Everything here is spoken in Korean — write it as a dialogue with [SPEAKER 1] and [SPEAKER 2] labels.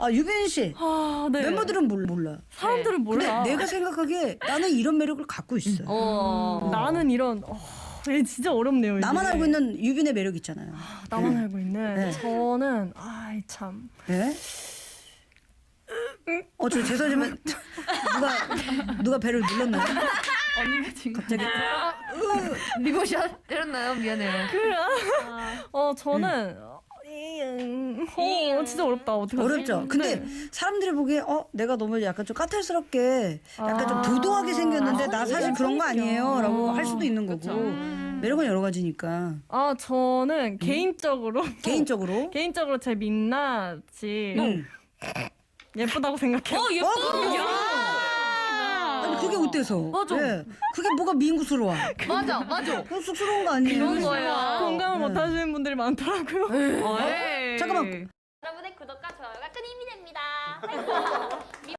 [SPEAKER 1] 아, 유빈 씨.
[SPEAKER 2] 네.
[SPEAKER 1] 멤버들은 몰라.
[SPEAKER 2] 사람들은 몰라.
[SPEAKER 1] 근데 내가 생각하기에 나는 이런 매력을 갖고 있어.
[SPEAKER 2] 나는 이런 이게 진짜 어렵네요.
[SPEAKER 1] 나만
[SPEAKER 2] 이게.
[SPEAKER 1] 알고 있는 유빈의 매력 있잖아요.
[SPEAKER 2] 나만
[SPEAKER 1] 네.
[SPEAKER 2] 알고 있는
[SPEAKER 1] 네.
[SPEAKER 2] 저는 아이 참.
[SPEAKER 1] 예? 저 죄송하지만 누가 배를 눌렀나요?
[SPEAKER 3] 언니가 지금
[SPEAKER 1] 갑자기
[SPEAKER 3] 리모션 때렸나요? 미안해요.
[SPEAKER 2] 저는 진짜 어렵다. 어떡하지?
[SPEAKER 1] 어렵죠. 근데 사람들이 보기에 내가 너무 약간 좀 까탈스럽게 약간 좀 도도하게 생겼는데 나 사실 그런 거 아니에요라고 할 수도 있는 거고 매력은 여러 가지니까
[SPEAKER 2] 저는 개인적으로 제 민낯이 예쁘다고 생각해요.
[SPEAKER 1] 아니 그게 어때서?
[SPEAKER 3] 맞아.
[SPEAKER 1] 예. 그게 뭐가 민구스러워?
[SPEAKER 3] 맞아.
[SPEAKER 1] 쑥스러운 거 아니에요?
[SPEAKER 3] 그런 거예요.
[SPEAKER 2] 공감을 못 하시는 분들이 많더라고요.
[SPEAKER 1] 잠깐만.
[SPEAKER 4] 여러분의 구독과 좋아요가 큰 힘이 됩니다.